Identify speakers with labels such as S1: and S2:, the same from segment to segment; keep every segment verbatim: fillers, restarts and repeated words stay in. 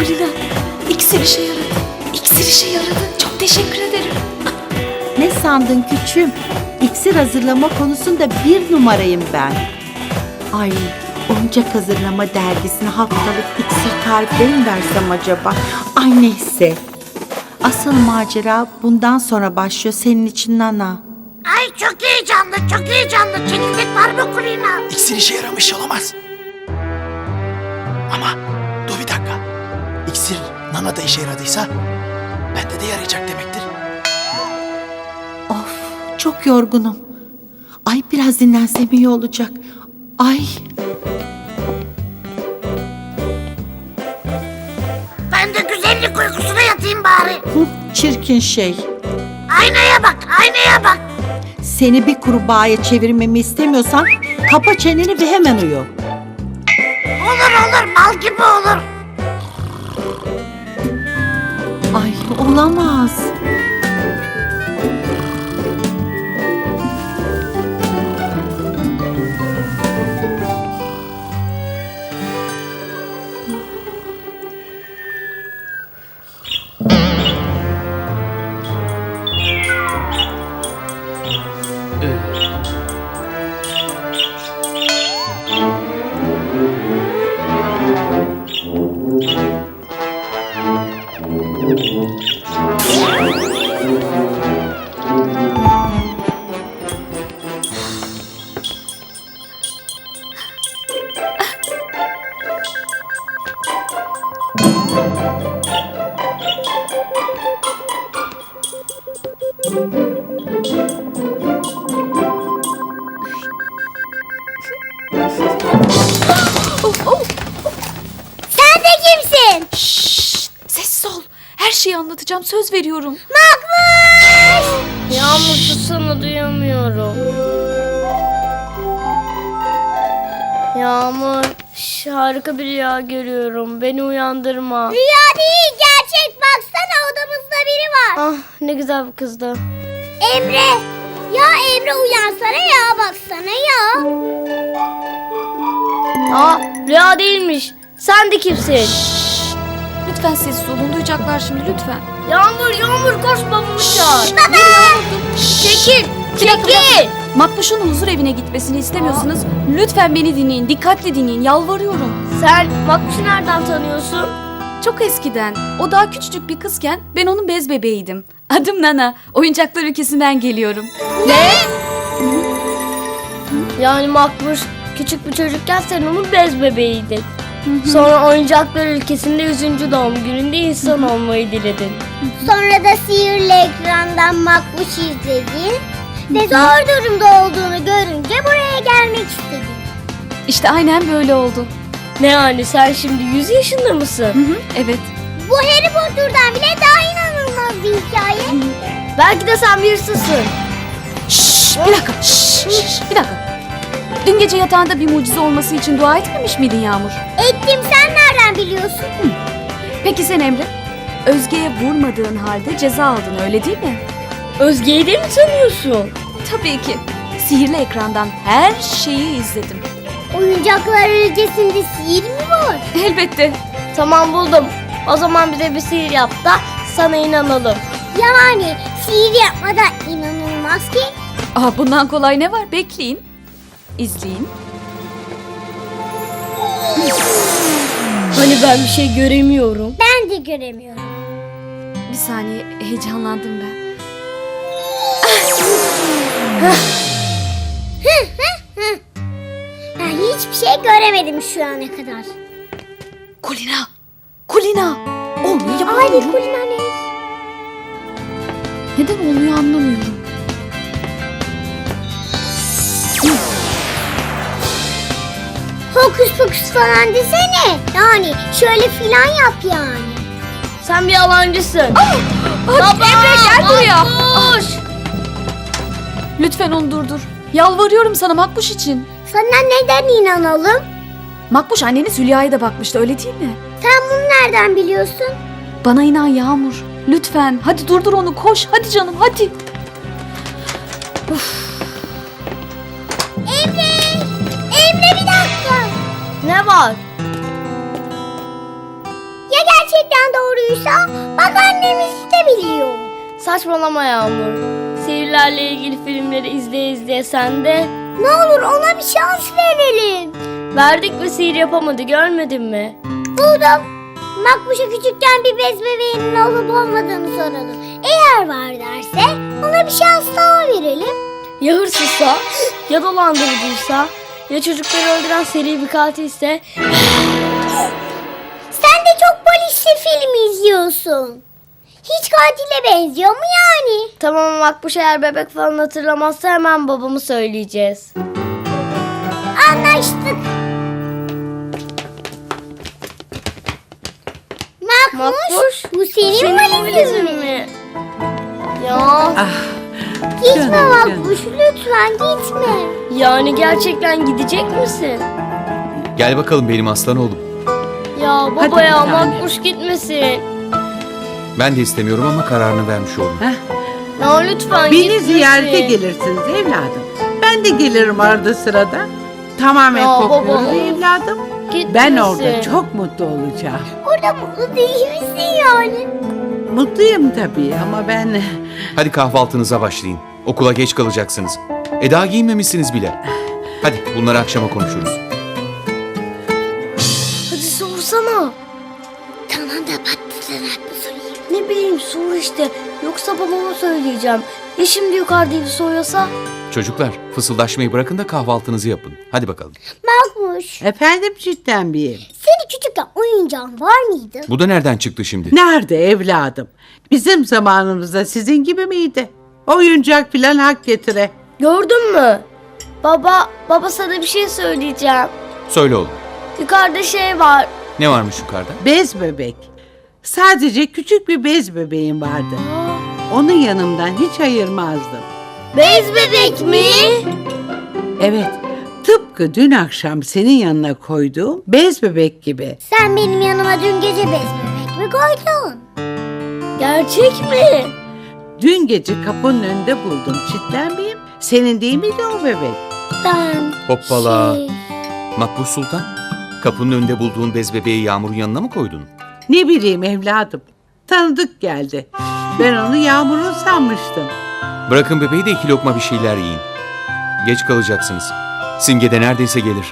S1: Kulina, iksir işe yaradı. İksir işe yaradı. Çok teşekkür ederim.
S2: Ne sandın küçüğüm? İksir hazırlama konusunda bir numarayım ben. Ay, oyuncak hazırlama dergisine haftalık iksir tarifleri mi versem acaba? Ay neyse. Asıl macera bundan sonra başlıyor senin için Nana.
S3: Ay çok heyecanlı, çok heyecanlı. Çekirdek var mı Kulina?
S4: İksir işe yaramış olamaz. Ama dur bir dakika. İksir Nana'da işe yaradıysa bende de yarayacak demektir.
S2: Of, çok yorgunum. Ay biraz dinlensem iyi olacak. Ay.
S3: Ben de güzellik uykusuna yatayım bari.
S2: Hı, çirkin şey.
S3: Aynaya bak, aynaya bak.
S2: Seni bir kurbağaya çevirmemi istemiyorsan kapa çeneni ve hemen uyu.
S3: Olur olur, mal gibi olur.
S2: Ay olamaz.
S3: Sen de kimsin?
S1: Şşş, sessiz ol. Her şeyi anlatacağım, söz veriyorum.
S5: Yağmur sussana, duyamıyorum. Yağmur, şş, harika bir rüya görüyorum. Beni uyandırma.
S3: Rüya değil, gerçek. Baksana, odamızda biri var.
S5: Ah, ne güzel bir kızdı.
S3: Emre. Ya Emre, uyansana ya, baksana ya.
S5: Aa, rüya değilmiş. Sen de kimsin?
S1: Lütfen sessiz olun, duyacaklar şimdi lütfen.
S5: Yağmur, Yağmur, koş babamı çağır.
S3: Baba.
S5: Çekil,
S1: Bir dakika, bir
S5: çekil.
S1: dakika. Makbuş'un huzur evine gitmesini istemiyorsunuz. Lütfen beni dinleyin, dikkatli dinleyin, yalvarıyorum.
S5: Sen Makbuş'u nereden tanıyorsun?
S1: Çok eskiden, o daha küçücük bir kızken ben onun bez bebeğiydim. Adım Nana, oyuncaklar ülkesinden geliyorum.
S5: Ne? Yani Makbuş küçük bir çocukken sen onun bez bebeğiydin. Sonra oyuncaklar ülkesinde yüzüncü doğum gününde insan olmayı diledin.
S3: Sonra da sihirli ekrandan Makbuş izledin ve zor durumda olduğunu görünce buraya gelmek istedin.
S1: İşte aynen böyle oldu.
S5: Ne yani, sen şimdi yüz yaşında mısın?
S1: Hı hı, evet.
S3: Bu Harry Potter'dan bile daha inanılmaz bir hikaye.
S5: Belki de sen bir hırsızsın.
S1: Şşş, bir dakika, şşş, şşş, bir dakika. Dün gece yatağında bir mucize olması için dua etmemiş miydin Yağmur?
S3: Ettim, sen nereden biliyorsun?
S1: Peki sen Emre? Özge'ye vurmadığın halde ceza aldın, öyle değil mi?
S5: Özge'yi de mi tanıyorsun?
S1: Tabii ki. Sihirli ekrandan her şeyi izledim.
S3: Oyuncaklar ülkesinde sihir mi var?
S1: Elbette.
S5: Tamam, buldum. O zaman bize bir sihir yap da sana inanalım.
S3: Yani sihir yapmadan inanılmaz ki.
S1: Aa, bundan kolay ne var? Bekleyin. İzleyin.
S5: Hani ben bir şey göremiyorum.
S3: Ben de göremiyorum.
S1: Bir saniye, heyecanlandım ben.
S3: Ben hiçbir şey göremedim şu ana kadar.
S1: Kulina! Kulina! Olmuyor,
S3: Ay
S1: yapamıyorum.
S3: Kulina ne?
S1: Neden olmuyor anlamıyorum.
S3: Hokus pokus falan desene. Yani şöyle filan yap yani.
S5: Sen bir yalancısın.
S1: Baba, Emre gel buraya.
S5: Makbuş!
S1: Lütfen onu durdur. Yalvarıyorum sana Makbuş için.
S3: Sana neden inanalım?
S1: Makbuş anneniz Hülya'ya da bakmıştı, öyle değil mi?
S3: Sen bunu nereden biliyorsun?
S1: Bana inan Yağmur. Lütfen hadi durdur onu, koş hadi canım hadi.
S3: Emre! Emre bir dakika.
S5: Ne var?
S3: Ya gerçek gerçekten doğruysa bak annemiz de biliyor.
S5: Saçmalama Yağmur. Sihirlerle ilgili filmleri izleye izleye sen de
S3: Ne olur ona bir şans verelim.
S5: verdik ve sihir yapamadı, görmedin mi?
S3: Buldum. Makbuş'a küçükken bir bez bebeğinin olup olmadığını soralım. Eğer var derse ona bir şans daha verelim.
S5: Ya hırsızsa, ya dolandırıcıysa, ya çocukları öldüren seri bir katilse.
S3: Sen de çok polisli film izliyorsun. Hiç katile benziyor mu yani?
S5: Tamam, Makbuş eğer bebek falan hatırlamazsa hemen babamı söyleyeceğiz.
S3: Anlaştık. Makbuş,
S5: Makbuş,
S3: bu senin,
S5: Senin
S3: valizin
S5: valizin
S3: mi?
S5: mi? Ya
S3: Gitme
S2: Canım,
S3: Makbuş, lütfen gitme.
S5: yani gerçekten gidecek misin?
S6: Gel bakalım benim aslan oğlum.
S5: Ya
S2: Hadi
S5: baba
S2: bir
S5: ya,
S2: tane.
S5: Makbuş gitmesin.
S6: Ben de istemiyorum ama kararını vermiş oldum.
S5: Ya lütfen
S2: Beni
S5: gitmesin.
S2: ziyarete gelirsiniz evladım. Ben de gelirim arada sırada. Tamamen
S5: Ya
S2: kopuyoruz
S5: baba.
S2: evladım.
S5: Gitmesin.
S2: Ben orada çok mutlu olacağım.
S3: Orada mutlu değil misin yani?
S2: Mutluyum tabii ama ben...
S6: Hadi kahvaltınıza başlayın. Okula geç kalacaksınız. E daha giyinmemişsiniz bile. Hadi bunları akşama konuşuruz.
S5: Hadi sorsana.
S3: Tamam da patlıcan haklı sorayım.
S5: Ne bileyim, sor işte. Yoksa babama söyleyeceğim. Ya şimdi yukarıda evi soruyorsa?
S6: Çocuklar fısıldaşmayı bırakın da kahvaltınızı yapın. Hadi bakalım.
S3: Makbuş,
S2: Efendim cidden bir.
S3: senin küçükken oyuncağın var mıydı?
S6: Bu da nereden çıktı şimdi?
S2: Nerede evladım? Bizim zamanımızda sizin gibi miydi? Oyuncak filan hak getire.
S5: Gördün mü? Baba, baba sana bir şey söyleyeceğim.
S6: Söyle oğlum.
S5: Yukarıda şey var.
S6: Ne varmış yukarıda?
S2: Bez bebek. Sadece küçük bir bez bebeğim vardı. Onu yanımdan hiç ayırmazdım.
S5: Bez bebek mi?
S2: Evet, tıpkı dün akşam senin yanına koyduğum bez bebek gibi.
S3: Sen benim yanıma dün gece bez bebek mi koydun?
S5: Gerçek mi?
S2: Dün gece kapının önünde buldum. Çitlenmeyeyim. Senin değil miydi o bebek?
S3: Ben
S6: Hoppala.
S3: şey...
S6: Makbuş Sultan. Kapının önünde bulduğun bez bebeği Yağmur'un yanına mı koydun?
S2: Ne bileyim evladım. Tanıdık geldi. Ben onu Yağmur'un sanmıştım.
S6: Bırakın bebeği de iki lokma bir şeyler yiyin. Geç kalacaksınız. Simge de neredeyse gelir.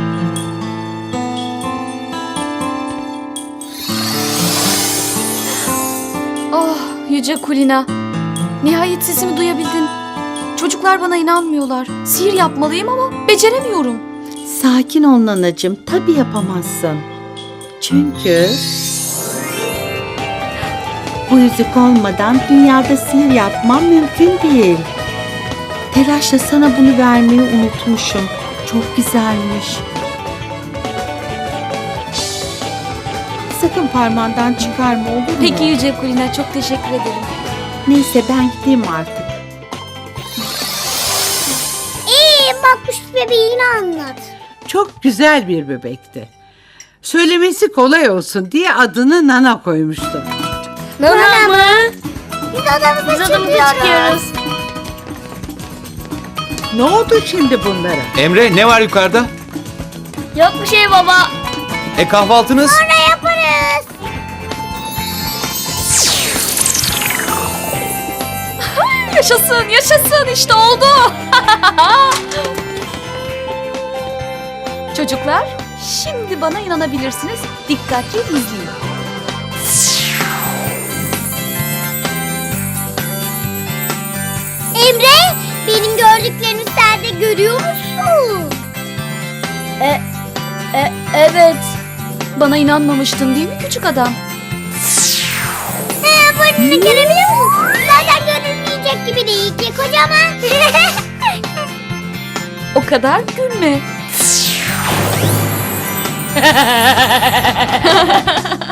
S1: Oh Yüce Kulina. Nihayet sesimi duyabildin. Çocuklar bana inanmıyorlar. Sihir yapmalıyım ama beceremiyorum.
S2: Sakin ol nanacığım. Tabii yapamazsın. Çünkü... Bu yüzük olmadan dünyada sihir yapmam mümkün değil. Telaşla sana bunu vermeyi unutmuşum. Çok güzelmiş. Sakın parmağından çıkarma, olur mu?
S1: Peki Yüce Kulina, çok teşekkür ederim.
S2: Neyse ben gideyim artık.
S3: İyi, Makbuş bebeğini anlat.
S2: Çok güzel bir bebekti. Söylemesi kolay olsun diye adını Nana koymuştum.
S5: Nana mı?
S3: Biz odamıza
S5: Biz adamı
S3: çıkıyoruz.
S5: çıkıyoruz.
S2: Ne oldu şimdi bunlara?
S6: Emre ne var yukarıda?
S5: Yok bir şey baba.
S6: E kahvaltınız?
S3: Ne yaparız?
S1: Yaşasın, yaşasın, işte oldu. Çocuklar, şimdi bana inanabilirsiniz. Dikkatli izleyin.
S3: Emre, benim gördüklerimi sen de görüyor musun?
S5: E, e, evet.
S1: Bana inanmamıştın değil mi küçük adam?
S3: He, burnunu görebiliyor musun? Zaten görünmeyecek gibi değil ki, kocaman.
S1: O kadar gülme.